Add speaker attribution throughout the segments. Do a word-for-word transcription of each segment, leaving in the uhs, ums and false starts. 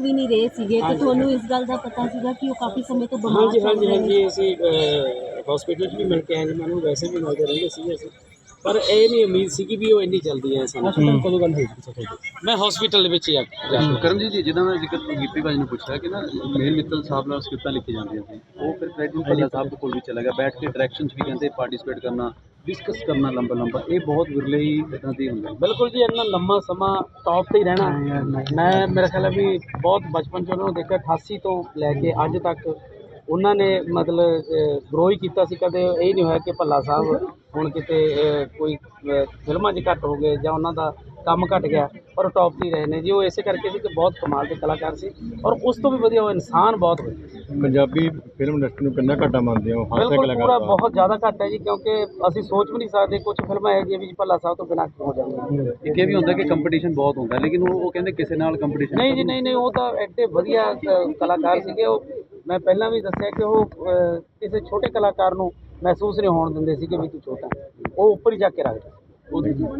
Speaker 1: ਵੀ ਨਹੀਂ ਰਹੇ ਸੀਗੇ ਤੇ ਤੁਹਾਨੂੰ ਇਸ ਗੱਲ ਦਾ ਪਤਾ ਸੀਗਾ ਕਿ ਉਹ ਕਾਫੀ ਸਮੇਂ ਤੋਂ ਬਿਮਾਰ
Speaker 2: ਹਾਂਜੀ
Speaker 1: ਚੱਲ
Speaker 2: ਹਾਂਜੀ
Speaker 1: ਰਹੇ ਨੇ।
Speaker 2: ਹਾਂਜੀ ਅਸੀਂ ਹਸਪੀਟਲ 'ਚ ਵੀ ਮਿਲ ਕੇ ਆਏ ਜੀ, ਮੈਨੂੰ ਵੈਸੇ ਵੀ ਮਿਲਦੇ ਰਹਿੰਦੇ ਸੀਗੇ ਅਸੀਂ, ਪਰ ਇਹ ਨਹੀਂ ਉਮੀਦ ਸੀ ਕਿ ਵੀ ਉਹ ਇੰਨੀ ਜਲਦੀ ਹੈ ਸਾਨੂੰ।
Speaker 3: ਕਦੋਂ ਗੱਲ ਹੋਈ ਸੀ ਤੁਹਾਡੀ?
Speaker 2: ਮੈਂ ਹਸਪੀਟਲ ਦੇ ਵਿੱਚ ਹੀ ਆ ਜਾ ਕੇ
Speaker 4: ਕਰਮਜੀਤ ਜੀ, ਜਿੱਦਾਂ ਮੈਂ ਜ਼ਿਕਰ ਗਿੱਪੀ ਭਾਜੀ ਨੂੰ ਪੁੱਛਿਆ ਕਿ ਨਾ ਮੇਲ ਮਿੱਤਲ ਸਾਹਿਬ ਨਾਲ ਸਕ੍ਰਿਪਟਾਂ ਲਿਖੀ ਜਾਂਦੀਆਂ ਸੀ, ਉਹ ਫਿਰ ਪ੍ਰੈਜ਼ੀਡੈਂਟ ਭੱਲਾ ਸਾਹਿਬ ਦੇ ਕੋਲ ਵੀ ਚਲਾ ਗਿਆ, ਬੈਠ ਕੇ ਡਾਇਰੈਕਸ਼ਨ 'ਚ ਵੀ ਕਹਿੰਦੇ ਪਾਰਟੀਸਪੇਟ ਕਰਨਾ, ਡਿਸਕਸ ਕਰਨਾ ਲੰਬਾ ਲੰਬਾ, ਇਹ ਬਹੁਤ ਵਿਰਲੇ ਹੀ ਇੱਦਾਂ ਦੀ ਹੁੰਦਾ।
Speaker 2: ਬਿਲਕੁਲ ਜੀ, ਇੰਨਾ ਲੰਮਾ ਸਮਾਂ ਟੌਪ ਤੇ ਹੀ ਰਹਿਣਾ। ਮੈਂ ਮੇਰਾ ਖਿਆਲ ਹੈ ਵੀ ਬਹੁਤ ਬਚਪਨ 'ਚ ਉਹਨਾਂ ਨੂੰ ਦੇਖਿਆ, ਅਠਾਸੀ ਤੋਂ ਲੈ ਕੇ ਅੱਜ ਤੱਕ ਉਹਨਾਂ ਨੇ ਮਤਲਬ ਗਰੋ ਹੀ ਕੀਤਾ ਸੀ। ਕਦੇ ਇਹ ਨਹੀਂ ਹੋਇਆ ਕਿ ਭੱਲਾ ਸਾਹਿਬ ਹੁਣ ਕਿਤੇ ਅ, ਕੋਈ ਅ, ਫਿਲਮਾਂ 'ਚ ਘੱਟ ਹੋ ਗਏ ਜਾਂ ਉਹਨਾਂ ਦਾ ਕੰਮ ਘਟ ਗਿਆ, ਪਰ ਉਹ ਟੌਪ 'ਤੇ ਹੀ ਰਹੇ ਨੇ ਜੀ। ਉਹ ਇਸੇ ਕਰਕੇ ਸੀ ਕਿ ਬਹੁਤ ਕਮਾਲ ਦੇ ਕਲਾਕਾਰ ਸੀ, ਔਰ ਉਸ ਤੋਂ ਵੀ ਵਧੀਆ ਉਹ ਇਨਸਾਨ ਬਹੁਤ ਵਧੀਆ।
Speaker 3: ਪੰਜਾਬੀ ਫਿਲਮ ਇੰਡਸਟਰੀ ਨੂੰ ਕਿੰਨਾ ਘਾਟਾ ਮੰਨਦੇ ਹੋ? ਹਾਸੇ
Speaker 2: ਬਿਲਕੁਲ ਪੂਰਾ
Speaker 3: ਕਲਾਕਾਰ
Speaker 2: ਬਹੁਤ ਜ਼ਿਆਦਾ ਘੱਟ ਹੈ ਜੀ, ਕਿਉਂਕਿ ਅਸੀਂ ਸੋਚ ਵੀ ਨਹੀਂ ਸਕਦੇ ਕੁਝ ਫਿਲਮਾਂ ਇਹੋ ਜਿਹੀਆਂ ਵੀ ਭੱਲਾ ਸਾਹਿਬ ਤੋਂ ਬਿਨਾਂ ਹੋ ਜਾਂਦੀਆਂ।
Speaker 4: ਇੱਕ ਇਹ ਵੀ ਹੁੰਦਾ ਕਿ ਕੰਪੀਟੀਸ਼ਨ ਬਹੁਤ ਹੁੰਦਾ, ਲੇਕਿਨ ਉਹ ਉਹ ਕਹਿੰਦੇ ਕਿਸੇ ਨਾਲ ਕੰਪੀਟੀਸ਼ਨ
Speaker 2: ਨਹੀਂ ਜੀ, ਨਹੀਂ ਨਹੀਂ, ਉਹ ਤਾਂ ਐਡੇ ਵਧੀਆ ਅ, ਕਲਾਕਾਰ ਸੀਗੇ। ਉਹ ਮੈਂ ਪਹਿਲਾਂ ਵੀ ਦੱਸਿਆ ਕਿ ਉਹ ਅ, ਕਿਸੇ ਛੋਟੇ ਕਲਾਕਾਰ ਨੂੰ ਮਹਿਸੂਸ ਨਹੀਂ ਹੋਣ ਦਿੰਦੇ ਸੀਗੇ ਵੀ ਤੂੰ ਛੋਟਾ, ਉਹ ਉੱਪਰ ਹੀ ਜਾ ਕੇ ਰੱਖਦਾ ਉਹਦੀ ਜੀ।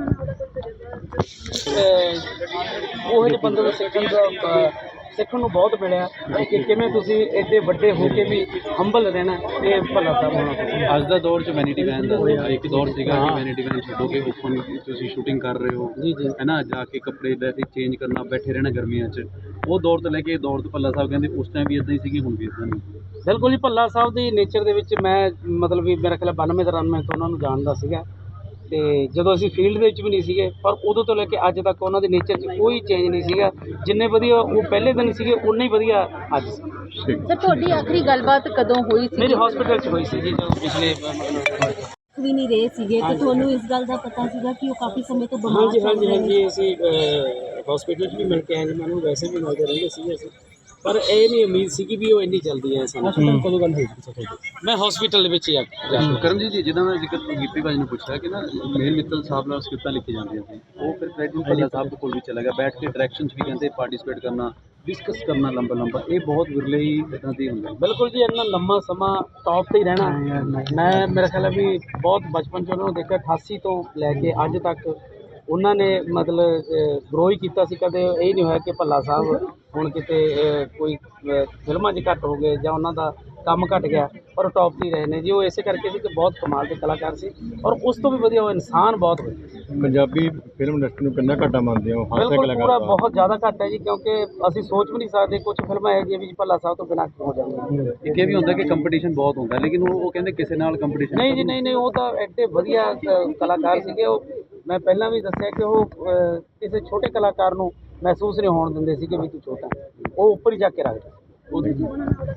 Speaker 2: ਉਹ ਜਿਹੇ ਬੰਦੇ ਨੂੰ ਸਿੱਖਣ ਦਾ ਅ, ਸਿੱਖਣ ਨੂੰ ਬਹੁਤ ਮਿਲਿਆ ਕਿ ਕਿਵੇਂ ਤੁਸੀਂ ਐਡੇ ਵੱਡੇ ਹੋ ਕੇ ਵੀ ਹੰਬਲ ਰਹਿਣਾ, ਇਹ ਭੱਲਾ ਸਾਹਿਬ ਹੋਣਾ ਚਾਹੀਦਾ।
Speaker 4: ਅੱਜ ਦਾ ਦੌਰ 'ਚ ਵੈਨਿਟੀ ਵੈਨ ਦਾ ਇੱਕ ਦੌਰ ਸੀਗਾ ਕਿ ਵੈਨਿਟੀ ਵੈਨ ਛੱਡੋ ਕੇ ਓਪਨ ਤੁਸੀਂ ਸ਼ੂਟਿੰਗ ਕਰ ਰਹੇ ਹੋ
Speaker 2: ਜੀ ਜੀ
Speaker 4: ਹੈ ਨਾ, ਜਾ ਕੇ ਕੱਪੜੇ ਲੈ ਕੇ ਚੇਂਜ ਕਰਨਾ, ਬੈਠੇ ਰਹਿਣਾ ਗਰਮੀਆਂ 'ਚ, ਉਹ ਦੌਰ ਤੋਂ ਲੈ ਕੇ ਇਹ ਦੌਰ ਤੋਂ ਭੱਲਾ ਸਾਹਿਬ ਕਹਿੰਦੇ ਉਸ ਟਾਈਮ ਵੀ ਇੱਦਾਂ ਹੀ ਸੀਗੀ, ਹੁਣ ਵੀ ਇੱਦਾਂ ਨਹੀਂ।
Speaker 2: ਬਿਲਕੁਲ ਜੀ, ਭੱਲਾ ਸਾਹਿਬ ਦੀ ਨੇਚਰ ਦੇ ਵਿੱਚ ਮੈਂ ਮਤਲਬ ਵੀ ਮੇਰਾ ਖਿਆਲ ਬਾਨਵੇਂ ਤਰਾਨਵੇਂ ਤੋਂ ਉਹਨਾਂ ਨੂੰ ਜਾਣਦਾ ਸੀਗਾ, ਤੇ ਜਦੋਂ ਅਸੀਂ ਫੀਲਡ ਦੇ ਵਿੱਚ ਵੀ ਨਹੀਂ ਸੀਗੇ, ਪਰ ਉਦੋਂ ਤੋਂ ਲੈ ਕੇ ਅੱਜ ਤੱਕ ਉਹਨਾਂ ਦੇ ਨੇਚਰ 'ਚ ਕੋਈ ਚੇਂਜ ਨਹੀਂ ਸੀਗਾ। ਜਿੰਨੇ ਵਧੀਆ ਉਹ ਪਹਿਲੇ ਦਿਨ ਸੀਗੇ, ਉਨੇ ਹੀ ਵਧੀਆ ਅੱਜ ਸੀ।
Speaker 1: ਸਰ ਤੁਹਾਡੀ ਆਖਰੀ ਗੱਲਬਾਤ ਕਦੋਂ ਹੋਈ ਸੀ?
Speaker 2: ਮੇਰੀ ਹਸਪੀਟਲ 'ਚ ਹੋਈ ਸੀ ਜੀ, ਜਦੋਂ ਪਿਛਲੇ
Speaker 1: ਵੀ ਨਹੀਂ ਰਹੇ ਸੀਗੇ ਤੇ ਤੁਹਾਨੂੰ ਇਸ ਗੱਲ ਦਾ ਪਤਾ ਸੀਗਾ ਕਿ ਉਹ ਕਾਫੀ ਸਮੇਂ ਤੋਂ ਬਿਮਾਰ
Speaker 2: ਹਾਂਜੀ
Speaker 1: ਚੱਲ
Speaker 2: ਹਾਂਜੀ
Speaker 1: ਰਹੇ ਨੇ।
Speaker 2: ਹਾਂਜੀ ਅਸੀਂ ਹਸਪੀਟਲ 'ਚ ਵੀ ਮਿਲ ਕੇ ਆਏ ਜੀ, ਮੈਨੂੰ ਵੈਸੇ ਵੀ ਮਿਲਦੇ ਰਹਿੰਦੇ ਸੀਗੇ ਅਸੀਂ, ਪਰ ਇਹ ਨਹੀਂ ਉਮੀਦ ਸੀ ਕਿ ਵੀ ਉਹ ਇੰਨੀ ਜਲਦੀ ਹੈ ਸਾਨੂੰ।
Speaker 3: ਕਦੋਂ ਗੱਲ ਹੋਈ ਸੀ ਤੁਹਾਡੀ?
Speaker 2: ਮੈਂ ਹਸਪੀਟਲ ਦੇ ਵਿੱਚ ਹੀ ਆ ਜਾ ਕੇ
Speaker 4: ਕਰਮਜੀਤ ਜੀ, ਜਿੱਦਾਂ ਮੈਂ ਜ਼ਿਕਰ ਗਿੱਪੀ ਭਾਜੀ ਨੂੰ ਪੁੱਛਿਆ ਕਿ ਨਾ ਮੇਲ ਮਿੱਤਲ ਸਾਹਿਬ ਨਾਲ ਸਕ੍ਰਿਪਟਾਂ ਲਿਖੀ ਜਾਂਦੀਆਂ ਸੀ, ਉਹ ਫਿਰ ਪ੍ਰੈਜ਼ੀਡੈਂਟ ਭੱਲਾ ਸਾਹਿਬ ਦੇ ਕੋਲ ਵੀ ਚਲਾ ਗਿਆ, ਬੈਠ ਕੇ ਡਾਇਰੈਕਸ਼ਨ 'ਚ ਵੀ ਕਹਿੰਦੇ ਪਾਰਟੀਸਪੇਟ ਕਰਨਾ, ਡਿਸਕਸ ਕਰਨਾ ਲੰਬਾ ਲੰਬਾ, ਇਹ ਬਹੁਤ ਵਿਰਲੇ ਹੀ ਇੱਦਾਂ ਦੀ ਹੁੰਦਾ।
Speaker 2: ਬਿਲਕੁਲ ਜੀ, ਇੰਨਾ ਲੰਮਾ ਸਮਾਂ ਟੌਪ ਤੇ ਹੀ ਰਹਿਣਾ। ਮੈਂ ਮੇਰਾ ਖਿਆਲ ਹੈ ਵੀ ਬਹੁਤ ਬਚਪਨ 'ਚ ਉਹਨਾਂ ਨੂੰ ਦੇਖਿਆ, ਅਠਾਸੀ ਤੋਂ ਲੈ ਕੇ ਅੱਜ ਤੱਕ ਉਹਨਾਂ ਨੇ ਮਤਲਬ ਗਰੋ ਹੀ ਕੀਤਾ ਸੀ। ਕਦੇ ਇਹ ਨਹੀਂ ਹੋਇਆ ਕਿ ਭੱਲਾ ਸਾਹਿਬ ਹੁਣ ਕਿਤੇ ਅ, ਕੋਈ ਅ, ਫਿਲਮਾਂ 'ਚ ਘੱਟ ਹੋ ਗਏ ਜਾਂ ਉਹਨਾਂ ਦਾ ਕੰਮ ਘਟ ਗਿਆ, ਪਰ ਉਹ ਟੌਪ 'ਤੇ ਹੀ ਰਹੇ ਨੇ ਜੀ। ਉਹ ਇਸੇ ਕਰਕੇ ਸੀ ਕਿ ਬਹੁਤ ਕਮਾਲ ਦੇ ਕਲਾਕਾਰ ਸੀ, ਔਰ ਉਸ ਤੋਂ ਵੀ ਵਧੀਆ ਉਹ ਇਨਸਾਨ ਬਹੁਤ ਵਧੀਆ।
Speaker 3: ਪੰਜਾਬੀ ਫਿਲਮ ਇੰਡਸਟਰੀ ਨੂੰ ਕਿੰਨਾ ਘਾਟਾ ਮੰਨਦੇ ਹੋ? ਹਾਸੇ
Speaker 2: ਬਿਲਕੁਲ ਪੂਰਾ
Speaker 3: ਕਲਾਕਾਰ
Speaker 2: ਬਹੁਤ ਜ਼ਿਆਦਾ ਘੱਟ ਹੈ ਜੀ, ਕਿਉਂਕਿ ਅਸੀਂ ਸੋਚ ਵੀ ਨਹੀਂ ਸਕਦੇ ਕੁਝ ਫਿਲਮਾਂ ਇਹੋ ਜਿਹੀਆਂ ਵੀ ਭੱਲਾ ਸਾਹਿਬ ਤੋਂ ਬਿਨਾਂ ਹੋ ਜਾਂਦੀਆਂ।
Speaker 4: ਇੱਕ ਇਹ ਵੀ ਹੁੰਦਾ ਕਿ ਕੰਪੀਟੀਸ਼ਨ ਬਹੁਤ ਹੁੰਦਾ, ਲੇਕਿਨ ਉਹ ਉਹ ਕਹਿੰਦੇ ਕਿਸੇ ਨਾਲ ਕੰਪੀਟੀਸ਼ਨ
Speaker 2: ਨਹੀਂ ਜੀ, ਨਹੀਂ ਨਹੀਂ, ਉਹ ਤਾਂ ਐਡੇ ਵਧੀਆ ਅ, ਕਲਾਕਾਰ ਸੀਗੇ। ਉਹ ਮੈਂ ਪਹਿਲਾਂ ਵੀ ਦੱਸਿਆ ਕਿ ਉਹ ਅ, ਕਿਸੇ ਛੋਟੇ ਕਲਾਕਾਰ ਨੂੰ ਮਹਿਸੂਸ ਨਹੀਂ ਹੋਣ ਦਿੰਦੇ ਸੀਗੇ ਵੀ ਤੂੰ ਛੋਟਾ, ਉਹ ਉੱਪਰ ਹੀ ਜਾ ਕੇ ਰੱਖਦਾ ਉਹਦੀ ਜੀ।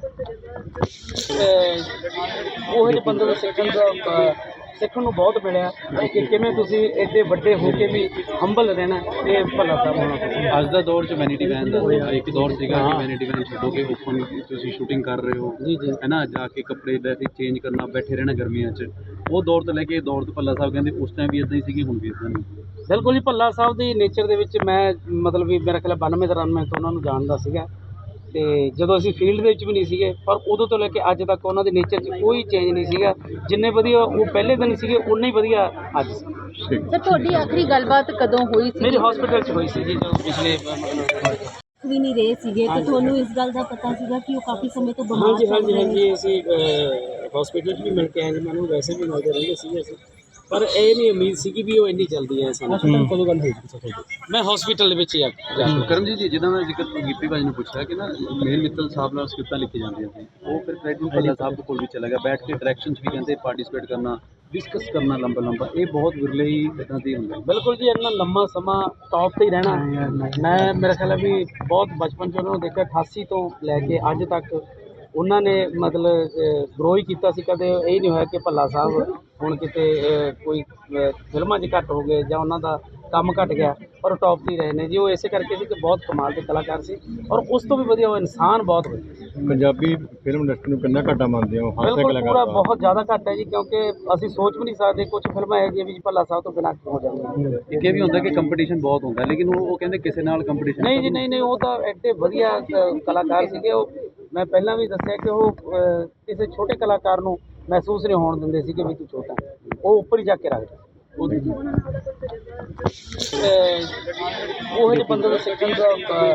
Speaker 2: ਉਹ ਜਿਹੇ ਬੰਦੇ ਨੂੰ ਸਿੱਖਣ ਦਾ ਅ, ਸਿੱਖਣ ਨੂੰ ਬਹੁਤ ਮਿਲਿਆ ਕਿ ਕਿਵੇਂ ਤੁਸੀਂ ਐਡੇ ਵੱਡੇ ਹੋ ਕੇ ਵੀ ਹੰਬਲ ਰਹਿਣਾ, ਇਹ ਭੱਲਾ ਸਾਹਿਬ ਹੋਣਾ ਚਾਹੀਦਾ।
Speaker 4: ਅੱਜ ਦਾ ਦੌਰ 'ਚ ਵੈਨਿਟੀ ਵੈਨ ਦਾ ਇੱਕ ਦੌਰ ਸੀਗਾ ਕਿ ਵੈਨਿਟੀ ਵੈਨ ਛੱਡੋ ਕੇ ਓਪਨ ਤੁਸੀਂ ਸ਼ੂਟਿੰਗ ਕਰ ਰਹੇ ਹੋ
Speaker 2: ਜੀ ਜੀ
Speaker 4: ਹੈ ਨਾ, ਜਾ ਕੇ ਕੱਪੜੇ ਲੈ ਕੇ ਚੇਂਜ ਕਰਨਾ, ਬੈਠੇ ਰਹਿਣਾ ਗਰਮੀਆਂ 'ਚ, ਉਹ ਦੌਰ ਤੋਂ ਲੈ ਕੇ ਇਹ ਦੌਰ ਤੋਂ ਭੱਲਾ ਸਾਹਿਬ ਕਹਿੰਦੇ ਉਸ ਟਾਈਮ ਵੀ ਇੱਦਾਂ ਹੀ ਸੀਗੀ, ਹੁਣ ਵੀ ਇੱਦਾਂ ਨਹੀਂ।
Speaker 2: ਬਿਲਕੁਲ ਜੀ, ਭੱਲਾ ਸਾਹਿਬ ਦੀ ਨੇਚਰ ਦੇ ਵਿੱਚ ਮੈਂ ਮਤਲਬ ਵੀ ਮੇਰਾ ਖਿਆਲ ਬਾਨਵੇਂ ਤਰਾਨਵੇਂ ਤੋਂ ਉਹਨਾਂ ਨੂੰ ਜਾਣਦਾ ਸੀਗਾ, ਤੇ ਜਦੋਂ ਅਸੀਂ ਫੀਲਡ ਦੇ ਵਿੱਚ ਵੀ ਨਹੀਂ ਸੀਗੇ, ਪਰ ਉਦੋਂ ਤੋਂ ਲੈ ਕੇ ਅੱਜ ਤੱਕ ਉਹਨਾਂ ਦੇ ਨੇਚਰ 'ਚ ਕੋਈ ਚੇਂਜ ਨਹੀਂ ਸੀਗਾ। ਜਿੰਨੇ ਵਧੀਆ ਉਹ ਪਹਿਲੇ ਦਿਨ ਸੀਗੇ, ਉਨੇ ਹੀ ਵਧੀਆ ਅੱਜ ਸੀ।
Speaker 1: ਸਰ ਤੁਹਾਡੀ ਆਖਰੀ ਗੱਲਬਾਤ ਕਦੋਂ ਹੋਈ ਸੀ?
Speaker 2: ਮੇਰੀ ਹਸਪੀਟਲ 'ਚ ਹੋਈ ਸੀ ਜੀ, ਜਦੋਂ ਪਿਛਲੇ
Speaker 1: ਵੀ ਨਹੀਂ ਰਹੇ ਸੀਗੇ ਤੇ ਤੁਹਾਨੂੰ ਇਸ ਗੱਲ ਦਾ ਪਤਾ ਸੀਗਾ ਕਿ ਉਹ ਕਾਫੀ ਸਮੇਂ ਤੋਂ ਬਿਮਾਰ
Speaker 2: ਹਾਂਜੀ
Speaker 1: ਚੱਲ
Speaker 2: ਹਾਂਜੀ
Speaker 1: ਰਹੇ ਨੇ।
Speaker 2: ਹਾਂਜੀ ਅਸੀਂ ਹਸਪੀਟਲ 'ਚ ਵੀ ਮਿਲ ਕੇ ਆਏ ਜੀ, ਮੈਨੂੰ ਵੈਸੇ ਵੀ ਮਿਲਦੇ ਰਹਿੰਦੇ ਸੀਗੇ ਅਸੀਂ, ਪਰ ਇਹ ਨਹੀਂ ਉਮੀਦ ਸੀ ਕਿ ਵੀ ਉਹ ਇੰਨੀ ਜਲਦੀ ਹੈ ਸਾਨੂੰ।
Speaker 3: ਕਦੋਂ ਗੱਲ ਹੋਈ ਸੀ ਤੁਹਾਡੀ?
Speaker 2: ਮੈਂ ਹਸਪੀਟਲ ਦੇ ਵਿੱਚ ਹੀ ਆ ਜਾ ਕੇ
Speaker 4: ਕਰਮਜੀਤ ਜੀ, ਜਿੱਦਾਂ ਮੈਂ ਜ਼ਿਕਰ ਗਿੱਪੀ ਭਾਜੀ ਨੂੰ ਪੁੱਛਿਆ ਕਿ ਨਾ ਮੇਲ ਮਿੱਤਲ ਸਾਹਿਬ ਨਾਲ ਸਕ੍ਰਿਪਟਾਂ ਲਿਖੀ ਜਾਂਦੀਆਂ ਸੀ, ਉਹ ਫਿਰ ਪ੍ਰੈਜ਼ੀਡੈਂਟ ਭੱਲਾ ਸਾਹਿਬ ਦੇ ਕੋਲ ਵੀ ਚਲਾ ਗਿਆ, ਬੈਠ ਕੇ ਡਾਇਰੈਕਸ਼ਨ 'ਚ ਵੀ ਕਹਿੰਦੇ ਪਾਰਟੀਸਪੇਟ ਕਰਨਾ, ਡਿਸਕਸ ਕਰਨਾ ਲੰਬਾ ਲੰਬਾ, ਇਹ ਬਹੁਤ ਵਿਰਲੇ ਹੀ ਇੱਦਾਂ ਦੀ ਹੁੰਦਾ।
Speaker 2: ਬਿਲਕੁਲ ਜੀ, ਇੰਨਾ ਲੰਮਾ ਸਮਾਂ ਟੌਪ ਤੇ ਹੀ ਰਹਿਣਾ। ਮੈਂ ਮੇਰਾ ਖਿਆਲ ਹੈ ਵੀ ਬਹੁਤ ਬਚਪਨ 'ਚ ਉਹਨਾਂ ਨੂੰ ਦੇਖਿਆ, ਅਠਾਸੀ ਤੋਂ ਲੈ ਕੇ ਅੱਜ ਤੱਕ ਉਹਨਾਂ ਨੇ ਮਤਲਬ ਗਰੋ ਹੀ ਕੀਤਾ ਸੀ। ਕਦੇ ਇਹ ਨਹੀਂ ਹੋਇਆ ਕਿ ਭੱਲਾ ਸਾਹਿਬ ਹੁਣ ਕਿਤੇ ਅ, ਕੋਈ ਅ, ਫਿਲਮਾਂ 'ਚ ਘੱਟ ਹੋ ਗਏ ਜਾਂ ਉਹਨਾਂ ਦਾ ਕੰਮ ਘਟ ਗਿਆ, ਪਰ ਉਹ ਟੌਪ 'ਤੇ ਹੀ ਰਹੇ ਨੇ ਜੀ। ਉਹ ਇਸੇ ਕਰਕੇ ਸੀ ਕਿ ਬਹੁਤ ਕਮਾਲ ਦੇ ਕਲਾਕਾਰ ਸੀ, ਔਰ ਉਸ ਤੋਂ ਵੀ ਵਧੀਆ ਉਹ ਇਨਸਾਨ ਬਹੁਤ ਵਧੀਆ।
Speaker 3: ਪੰਜਾਬੀ ਫਿਲਮ ਇੰਡਸਟਰੀ ਨੂੰ ਕਿੰਨਾ ਘਾਟਾ ਮੰਨਦੇ ਹੋ? ਹਾਸੇ
Speaker 2: ਬਿਲਕੁਲ ਪੂਰਾ
Speaker 3: ਕਲਾਕਾਰ
Speaker 2: ਬਹੁਤ ਜ਼ਿਆਦਾ ਘੱਟ ਹੈ ਜੀ, ਕਿਉਂਕਿ ਅਸੀਂ ਸੋਚ ਵੀ ਨਹੀਂ ਸਕਦੇ ਕੁਝ ਫਿਲਮਾਂ ਇਹੋ ਜਿਹੀਆਂ ਵੀ ਭੱਲਾ ਸਾਹਿਬ ਤੋਂ ਬਿਨਾਂ ਹੋ ਜਾਂਦੀਆਂ।
Speaker 4: ਇੱਕ ਇਹ ਵੀ ਹੁੰਦਾ ਕਿ ਕੰਪੀਟੀਸ਼ਨ ਬਹੁਤ ਹੁੰਦਾ, ਲੇਕਿਨ ਉਹ ਉਹ ਕਹਿੰਦੇ ਕਿਸੇ ਨਾਲ ਕੰਪੀਟੀਸ਼ਨ
Speaker 2: ਨਹੀਂ ਜੀ, ਨਹੀਂ ਨਹੀਂ, ਉਹ ਤਾਂ ਐਡੇ ਵਧੀਆ ਅ, ਕਲਾਕਾਰ ਸੀਗੇ। ਉਹ ਮੈਂ ਪਹਿਲਾਂ ਵੀ ਦੱਸਿਆ ਕਿ ਉਹ ਅ, ਕਿਸੇ ਛੋਟੇ ਕਲਾਕਾਰ ਨੂੰ ਮਹਿਸੂਸ ਨਹੀਂ ਹੋਣ ਦਿੰਦੇ ਸੀਗੇ ਵੀ ਤੂੰ ਛੋਟਾ, ਉਹ ਉੱਪਰ ਹੀ ਜਾ ਕੇ ਰੱਖਦਾ ਉਹਦੀ ਜੀ। ਉਹ ਜਿਹੇ ਬੰਦੇ ਨੂੰ ਸਿੱਖਣ ਦਾ ਅ,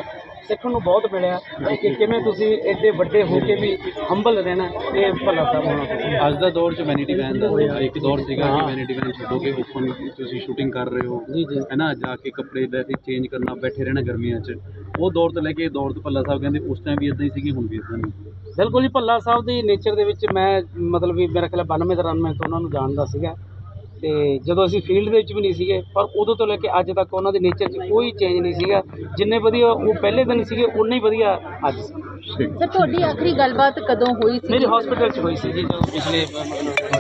Speaker 2: ਸਿੱਖਣ ਨੂੰ ਬਹੁਤ ਮਿਲਿਆ ਕਿ ਕਿਵੇਂ ਤੁਸੀਂ ਐਡੇ ਵੱਡੇ ਹੋ ਕੇ ਵੀ ਹੰਬਲ ਰਹਿਣਾ, ਇਹ ਭੱਲਾ ਸਾਹਿਬ ਹੋਣਾ ਤੁਸੀਂ।
Speaker 4: ਅੱਜ ਦਾ ਦੌਰ 'ਚ ਵੈਨਿਟੀ ਵੈਨ ਦਾ ਇੱਕ ਦੌਰ ਸੀਗਾ ਕਿ ਵੈਨਿਟੀ ਵੈਨ ਛੱਡੋਗੇ, ਓਪਨ ਤੁਸੀਂ ਸ਼ੂਟਿੰਗ ਕਰ ਰਹੇ ਹੋ
Speaker 2: ਜੀ ਜੀ
Speaker 4: ਹੈ ਨਾ, ਜਾ ਕੇ ਕੱਪੜੇ ਲੈ ਕੇ ਚੇਂਜ ਕਰਨਾ, ਬੈਠੇ ਰਹਿਣਾ ਗਰਮੀਆਂ 'ਚ, ਉਹ ਦੌਰ ਤੋਂ ਲੈ ਕੇ ਇਹ ਦੌਰ ਤੋਂ ਭੱਲਾ ਸਾਹਿਬ ਕਹਿੰਦੇ ਉਸ ਟਾਈਮ ਵੀ ਇਦਾਂ ਹੀ ਸੀਗੀ, ਹੁਣ ਵੀ ਇਦਾਂ ਹੀ।
Speaker 2: ਬਿਲਕੁਲ ਜੀ, ਭੱਲਾ ਸਾਹਿਬ ਦੀ ਨੇਚਰ ਦੇ ਵਿੱਚ ਮੈਂ ਮਤਲਬ ਵੀ ਮੇਰਾ ਖਿਆਲ ਬਾਨਵੇਂ ਤਰਾਨਵੇਂ ਤੋਂ ਉਹਨਾਂ ਨੂੰ ਜਾਣਦਾ ਸੀਗਾ, ਤੇ ਜਦੋਂ ਅਸੀਂ ਫੀਲਡ ਦੇ ਵਿੱਚ ਵੀ ਨਹੀਂ ਸੀਗੇ, ਪਰ ਉਦੋਂ ਤੋਂ ਲੈ ਕੇ ਅੱਜ ਤੱਕ ਉਹਨਾਂ ਦੇ ਨੇਚਰ 'ਚ ਕੋਈ ਚੇਂਜ ਨਹੀਂ ਸੀਗਾ। ਜਿੰਨੇ ਵਧੀਆ ਉਹ ਪਹਿਲੇ ਦਿਨ ਸੀਗੇ, ਉਨੇ ਹੀ ਵਧੀਆ ਅੱਜ ਸੀ।
Speaker 1: ਸਰ ਤੁਹਾਡੀ ਆਖਰੀ ਗੱਲਬਾਤ ਕਦੋਂ ਹੋਈ ਸੀ?
Speaker 2: ਮੇਰੀ ਹਸਪੀਟਲ 'ਚ ਹੋਈ ਸੀ ਜੀ, ਜਦੋਂ ਪਿਛਲੇ ਮਤਲਬ